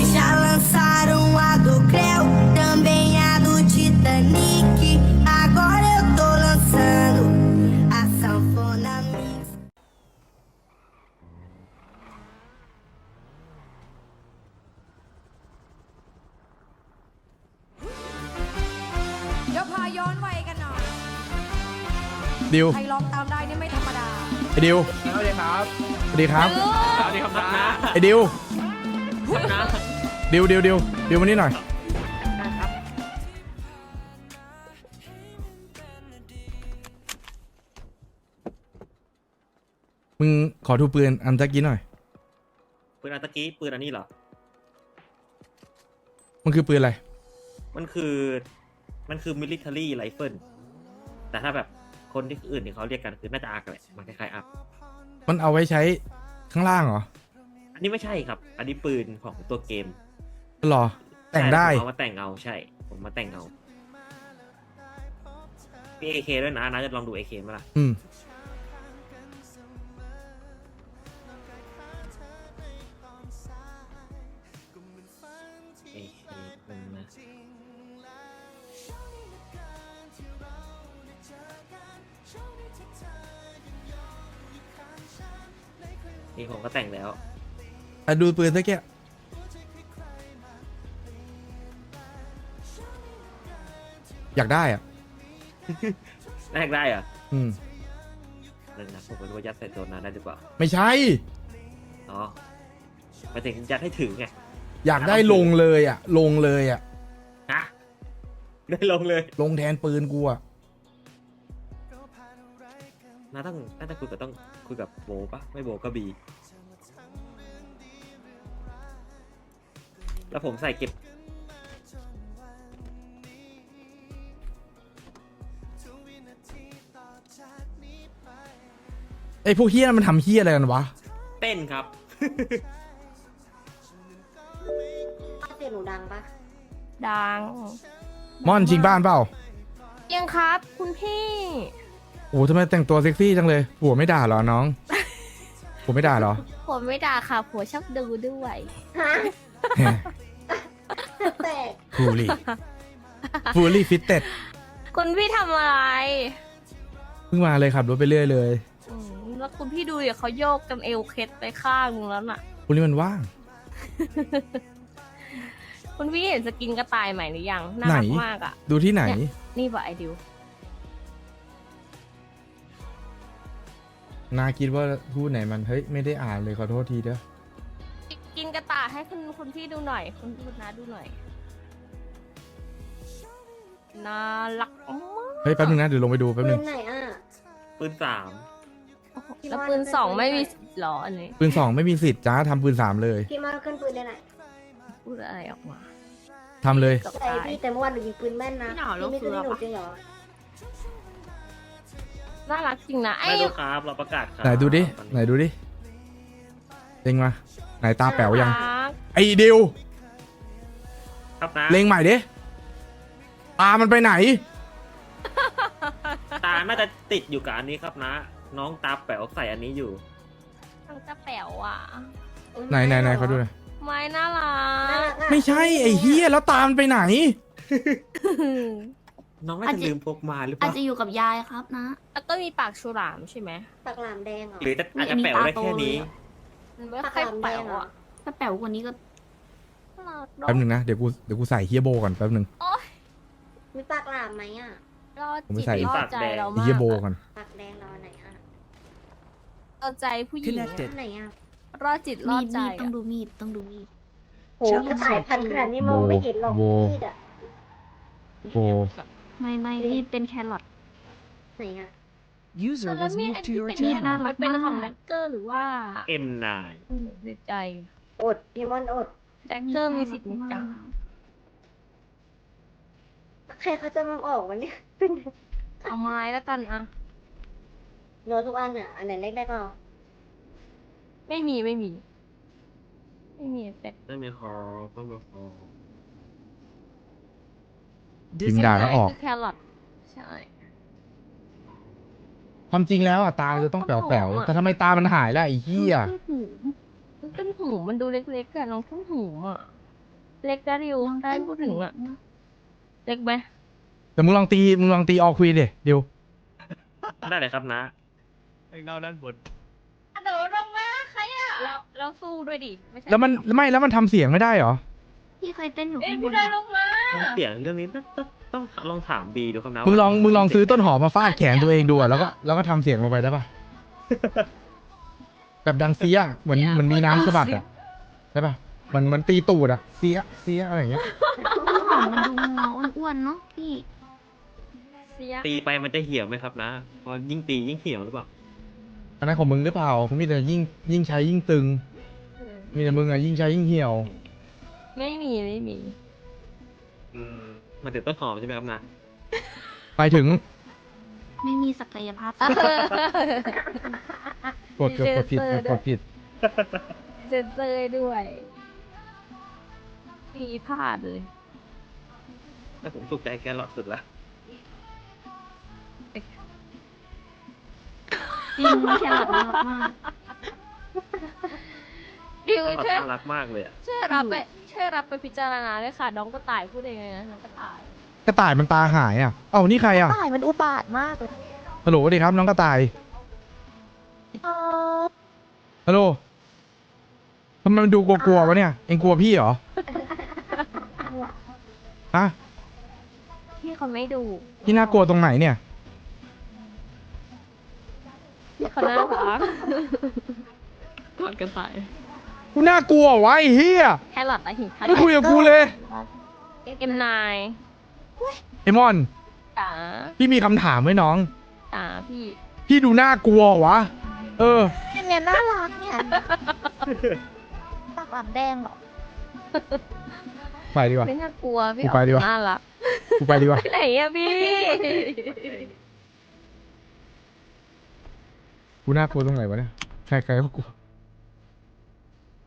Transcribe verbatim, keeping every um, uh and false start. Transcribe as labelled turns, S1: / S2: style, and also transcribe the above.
S1: Já lançaram a do Creu, também a do Titanic. Agora eu tô lançando a sanfona mix.
S2: เดี๋ยวพาย้อนวัยกันหน่อย
S3: ดิว
S2: ใครร้องตามได้นี่ไม่ธรรมดา
S3: ไอ้ดิว
S4: สวัสดีครับ
S3: สวัสดีครับ
S4: สวัสดีครับนะ
S3: ไอ้ดิว
S4: นะ
S3: ดิวดิวดิวดิวมานี่หน่อยมึงขอดูปืนอันตะกี้หน่อย
S4: ปืนอันตะกี้ปืนอันนี้เหรอ
S3: มันคือปืนอะไร
S4: มันคือมันคือ military rifle แต่ถ้าแบบคนที่อื่นที่เขาเรียกกันคือน่าจะอาร์กแหละมันคล้ายๆอาร์ก
S3: มันเอาไว้ใช้ข้างล่างเหรอ
S4: อันนี้ไม่ใช่ครับ อันนี้ปืนของตัวเกม
S3: หรอ แต่งได้
S4: ใช่ผมเอามาแต่งเอาใช่ ผมมาแต่งเอามี เอ เค ด้วยนะนะจะลองดู เอ เค ไหมล่ะ
S3: อืม
S4: เอ เค มันนะนี่ผมก็แต่งแล้ว
S3: อ่ะดูปืนตะกี้อยากได้อ่ะ
S4: แรกได้เหรอ
S3: อืม
S4: นั่นนะผมก็รู้ว่ายัดใส่ตัวนั้นได้หรือเปล่า
S3: ไม่ใช่
S4: อ๋อหมายถึงยัดให้ถึงไง
S3: อยากได้ลงเลยอ่ะ ลงเลยอ่ะ
S4: ฮะได้ลงเลย
S3: ลงแทนปืนกูอ่ะ
S4: น่าต้องน่าจะคุยกับต้องคุยกับโบปะไม่โบก็บี แล้วผมใส่เก็บ
S3: ไอ้พวกเฮี้ยมันทำเฮี้ยอะไรกันวะ
S4: เต้นครับ
S5: เสียงหนูดังปะ
S2: ดัง
S3: ม่อนจริงบ้านเปล่า
S2: ยังครับ คุณพี่
S3: โอ้ทำไมแต่งตัวเซ็กซี่จังเลยผัวไม่ด่าเหรอน้อง ผัวไม่ด่าเหรอ
S2: ผมไม่ด่าค่ะผัวชอบดูด้วย
S5: ฮะแตก
S3: ฟูลี่ฟูลี่ฟิตเต็ด
S2: คุณพี่ทำอะไร
S3: เพิ่งมาเลยขับรถไปเรื่อยเลย
S2: อืมแล้วคุณพี่ดูเดี๋ยวเขาโยกกันเอวเคล็ดไปข้างนึงแล้วน่ะ
S3: ฟูลี่มันว่าง
S2: คุณพี่เห็นสกินกระต่ายใหม่หรือยังน่ารัก
S3: ไหน
S2: มากอ่ะ
S3: ดูที่ไหน
S2: นี่ป่ะไอดิว
S3: นาคิดว่าพูดไหนมัน เฮ้ย ไม่ได้อ่านเลยขอโทษทีเด้อ
S2: กินกระต่ายให้คุณคุณพี่ดูหน่อย คุณคุณน้าดูหน่อยน่ารักมาก
S3: เฮ้ยแป๊บนึงนะเดี๋ยวลงไปดูแป๊บ
S5: ปื
S3: นึ
S5: น
S3: ง
S5: ไหนอ่ะ
S4: ปืนสาม
S2: แล้วปืนสองไม่มีหรออันนี้
S3: ปืนสองไม่มีสิทธิ์จ้าทำปืนสามเลย
S5: พี่มาขึ้นปืนได้ไหน
S2: พูดอะไรออกมา
S3: ทำเลย
S2: กับ
S5: ใช่
S2: ตาย
S5: พี่แต่เมื่อวานหนูยิงปืนแม่นนะ
S2: พี่หนาว
S5: พี่ไม่
S2: ลู
S5: ขึ้น
S2: กเสื
S5: ให้
S2: อ
S5: หนู
S2: ปะ
S5: จริงเหรอ
S2: น่ารักจริงนะไอ้
S4: ไม่รู้ครับเราประกาศครับ
S3: ไหนดูดิ ไหนดูดิเล็งมา ไหนตาแป๋วยัง
S2: รัก
S3: ไอ้ดิว
S4: ครับนะ
S3: เล็งใหม่ดิ ตามันไปไหน
S4: ตาน่าจะติดอยู่กับอันนี้ครับนะ น้องตาแป๋วใส่อันนี้อยู่
S2: ทั้งจะแป๋วอ่ะ
S3: ไหนไหนไหนเขาดูหน่อย
S2: ไม้น่ารั
S5: น่าก รักอะ
S3: ไม่ใช่ไอ้เฮียแล้วตามันไปไหน
S4: น้องน่า
S6: อาจ
S4: จะ
S6: จะ
S4: ลืมพกมาหรือเป
S6: อาจ
S4: ล่า
S6: จะอยู่กับยายครับนะ
S2: แล้วก็มีปากฉลามใช่ไหม
S5: ปากหลามแดงเหรอ
S4: หรือจะอาจจะแป๋วได้แค่นี้
S2: มันไม่
S5: ปาก
S2: ค่อย
S5: หลามแด
S2: แป๋
S5: ง
S2: ว
S5: เหรอ
S2: อ่ะ
S6: ถ้าแป๋วกว่านี้ก็
S2: น่ารักเนอะ
S3: แป๊บนึงนะ เดี๋ยวกูเดี๋ยวกูใส่เฮียโบก่อนแป๊บนึง
S5: มีปากหลามไหมอ่ะ
S2: รอด
S3: ผมไม่
S2: จิต
S3: ใส่
S2: รอดใจเรา
S3: ไอ้
S2: มาก
S3: เฮียโบ
S2: อะ
S3: ก่อน
S5: ปากแดงเราไหนอ่ะ
S2: รอดใจผู้หญิงอะ
S5: ไหนอ่ะ
S2: รอดจิตรอ
S6: มี
S2: ด
S6: ด
S2: ใจ
S6: มีดต้อ
S2: อะ
S6: งดูมีดต้องดูมีด
S5: โหกระต่ายพันขนาดนี้มองไม่เห็นหรอก
S3: โบ
S5: มีดอ่ะ
S3: โบ
S6: ไม่ไม่มีดเป็นแครอท
S5: ไหนอ่ะ
S7: User
S2: แล้ว
S7: was
S2: มี
S7: moved
S2: อัน
S7: to
S2: ที่
S7: your
S2: เป็น
S6: น่า
S7: channel.
S6: รั
S2: มั
S6: ก
S2: นเป็นของ
S6: มาก
S2: แดกเกอร์หรือว่า
S4: เอ็มนาย
S2: อืมดีใจ
S5: อดพี่มอนอด
S2: แดกเกอร์มีสิทธิ์ในการ
S5: ใครเขาจะมาออกวันนี้เป็น
S2: เอาไม้แล้วกันอะ
S5: โน้ตทุกอันอ่ะ อันไหนเล็กได้ก็เอา
S2: ไม่มีไม่มี ไม่มีแต่
S4: ไม่มีคอไม่มีคอ
S3: ยิงด่าแล้วออก
S2: คือแครอทใช่
S3: ความจริงแล้วอ่ะตาจะต้องแป๋วๆแต่ทำไมตามันหายล่ะไอ้เหี้ย
S2: ต้นหูต้นหูมันดูเล็กๆอะน้องต้นหูอะเล็กได้ริวได้พูดถึงอะเล็กไหม
S3: แต่มึงลองตีมึงลองตีออควีนดิเดี๋ยว
S4: ได้เลยครับนะ
S7: ไอ้เงาด้านบน
S2: โดดลงมาใครอะเราเราสู้ด้วยดิไม่ใช่
S3: แล้วมันไม่แล้วมันทำเสียงไม่ได้เหรอ
S6: พี่เคยเต้นอยู่
S2: เอ้ย
S6: ข้างบ
S2: พี่
S6: น
S2: ได้ลงมา
S4: เสียงเรื่องนี้ต้องต้องต้องลองถามบีดูครับนะ
S3: มึงลอง
S4: ว่า
S3: มึงลองซื้อต้นหอมมาฟาดแขนตัวเองดูอะแล้วก็แล้วก็ทำเสียงลงไปได้ปะ แบบดังเสียเหมือนเหมือนมีน้ำสะบัดอะใช่ปะเหมันเหมันตีตูดอะเสียเสียอะไรอย่างเงี้ย
S6: ต้นหอมมันดูเงาอ้วนๆเนาะพี่
S2: เสีย
S4: ตีไปมันจะเหี่ยวไหมครับนะเพอยิ่งตียิ่งเหี่ยวหรือเปล่า
S3: อันนั้นของมึงหรือเปล่าผมมีแต่ยิ่งยิ่งใช้ยิ่งตึง มีแต่มึงอะยิ่งใช้ยิ่งเหี่ยว
S2: ไม่มีไม่มี
S4: อืมมันถึงต้นหอมใช่ไหมครับนะ
S3: ไปถึง
S6: ไม่มีศักยภาพ
S3: กดเกือบกดผิดกดผิด
S2: เซนเซอร์ด้วยมีพลาดเลย
S4: แต่ผมถูกใจแครอทสุดละ
S6: จริงแครอทน่ารักมาก
S2: ดิว
S4: แครอท
S2: ช่วย
S4: น่ารักมากเลยอะ
S2: ช่วยรับไปช่วยรับไปพิจารณาด้วยค่ะ น้องกระต่ายพูดเองเลยนะน้องกระต่าย
S3: กระต่ายมันตาหายอ่ะ เอ้านี่ใครอ่ะ
S5: ตายมันอุบาทมากเลย
S3: ฮัลโหลสวัสดีครับน้องกระต่าย
S5: เออ
S3: ฮัลโหลทำไมมันดูกลัวๆวะเนี่ย เอ็งกลัวพี่เหรอ ฮะ
S2: พี่เขาไม่ดู
S3: พี่น่ากลัวตรงไหนเนี่ย
S2: พี่เขาน่ารักกอดกระต่าย
S3: กูน่ากลัววะไอ้เฮีย
S2: แครอทอะหิค่ะ
S3: ไม่คุยกับกูเลย
S2: เอ็มนาย
S3: ไอมอน
S2: จ๋า
S3: พี่มีคำถามไว้น้อง
S2: จ๋าพี่
S3: พี่ดูน่ากลัววะ เออ
S5: เนี่ยน่ารักเนี่ยปากหลามแดงเหรอ
S3: ไปดีกว่า
S2: ไม่น่ากลัวพี่
S3: กูไปดีกว่า
S2: น่ารัก
S3: กูไปดีกว่า
S2: ไปไหนอะพี่
S3: กูน่ากลัวตรงไหนวะเนี่ย ใครๆก็กลัว